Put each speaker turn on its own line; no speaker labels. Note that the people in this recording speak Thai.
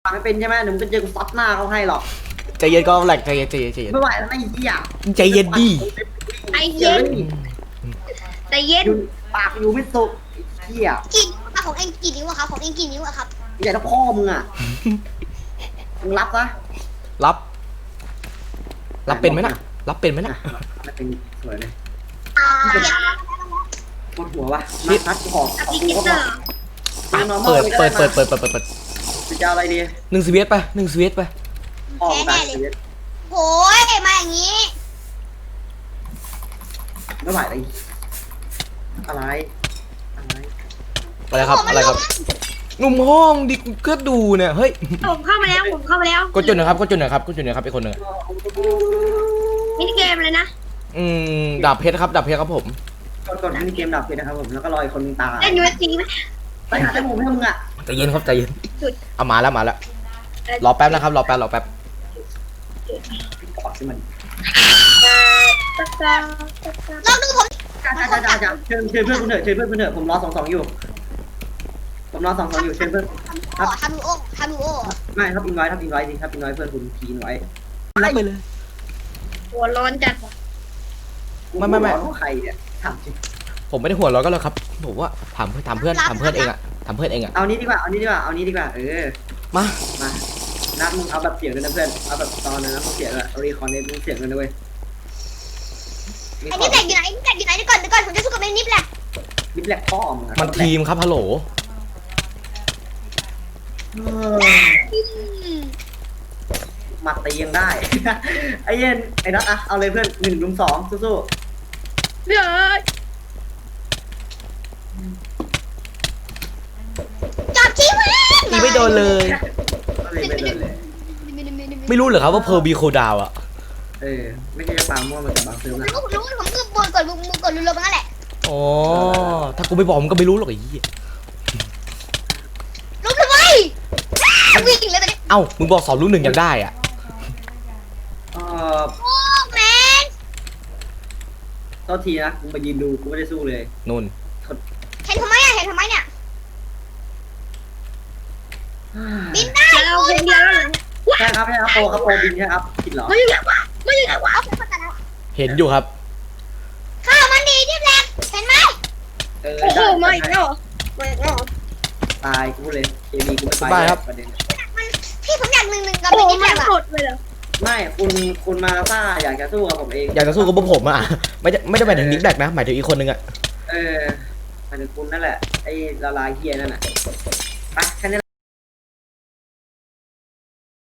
ฟังไม่เป็นใช่ไหมเดี๋ยวมึงก็เจอกูซัดหน้าเขาให้หรอก
ใจเย็นก็แหลกใจเย็นใจเย็นใจเย็น
ไม่ไหวแล้วไอ้เหี้ย
ใจเย็นดิ
ไอเย็นแต่เย็น
ปากอยู่ไม่สุกไอ้เหี้ย
กี่ของเองกี่นิ้วอะครับของเองกี่นิ้วอะครับ
ใหญ่เท่าพ่อมึงอ่ะมึงรับซะ
รับเป็นไหมนะรับเป็นไหมนะ
ไม่เป็นสวยเลย
เย็น
ปวดหัววะมาซัดกูขอ
กับ
ขอ
อี
กู
กิ
ก็
เต
พ
อ
อ
ร์
เปิด
เปิด
จะเอาอะไรดี
1 สวีทไป1 สวีทไป
ออกไป
โอ้ยมาอย่างนี้
ไม่ไหวเลยอะไร
อะไรครับอะไรครับหนุ่มห้องดิก็ดูเนี่ยเฮ้ย
ผมเข้ามาแล้ว
กดจุดหน่อยครับกดจุดหน่อยครับอีกคนหนึ่ง
มินิเกมเลยนะ
ดาบเพชรครับผม
กดให้เกมดับเลยนะครับผมแล้วก็รออีกคนนึงตาย
เล่นยูเอสซีไหม
ไปหาจมูกให้มึงอ่ะ
ใจเย็นครับใจเย็นเอามาแล้วรอแป๊บนะครับรอแป๊บ
กอดสิมัน
ลองดูผม
จ้าเชิญเพื่อนคุณเถอะผมรอ2-2อยู่เชิญเพื่อน
ขอทำดูโอ
ไม่ครับอินไว้ดิครับอินไว้เพื่อนคุณทีนไว้
รับไปเลย
หัวร้อนจัด
ไม่
ใครเนี่ยถามจริง
ผมไม่ได้หัวร้อนก็แล้วครับผมว่าถามเพื่อนเองอะ
เอานี้ดีกว่า
มา
นัดมึงเอาแบบเสียงด้วยนะเพื่อนเอาแบบตอนนั้นมึงเสียงอะเอารีคอนเนตมึงเสียงกันด้วย
ไอ้นี่แตกอยู่ไหนเดี๋ยวก่อนผมจะสู้กับไอ้นิฟแหละ
มิดแหลกพ่อมึง
มันทีมครับฮัลโหล
มาตียังได้ ไอ้เย็นไอ้นัทอะเอาเลยเพื่อน1-2สู้
เฮ้ยจับชี้มัน
ตีไม่โดนเลย
ไม่โดนเลย
ไม่รู้เหรอครับว่าเพอร์บีโคดาวอะ
ไม่ใช่จะปาม่วงมันจะบางซื้อนะ
รู้ผมคือบนกดรัวๆมันนั่นแหละ
อ๋อถ้ากูไม่บอกมึงก็ไม่รู้หรอกไอ้ยี่
รู้ทำไมวิ่งเลยตอนนี้
เอ้ามึงบอก2 ลูก 1ยังได้อะ
โอ้
โอ้แมน
โทษทีนะกูมายืนดูกูไม่ได้สู้เลย
นู่น
เห็นทำไมเนี่ยบินได้เราคนเดียวแล้ว
ใช่ครับโปรบินใช่ครับผิดเหรอ
ไม่อยู่ไหนวะเอาคนกันแล้ว
เห็นอยู่ครับ
ข้าวมันดีนี่แหละเห็นไหม
ตายกูเลยเคมีกูไม่ไปประเด็น
มันพี่ผมอยาก1-1กับพี่นิดแบบอะ
ไม่คุณมาซ่าอยากจะสู้กับผมเอง
อยากจะสู้กับพวกผมอะไม่ได้หมายถึงนิกแดกนะหมายถึงอีกคนนึงอะ
หมายถึงคุณนั่นแหละไอ้ละลายเฮียนั่นน่ะไปแค่นี้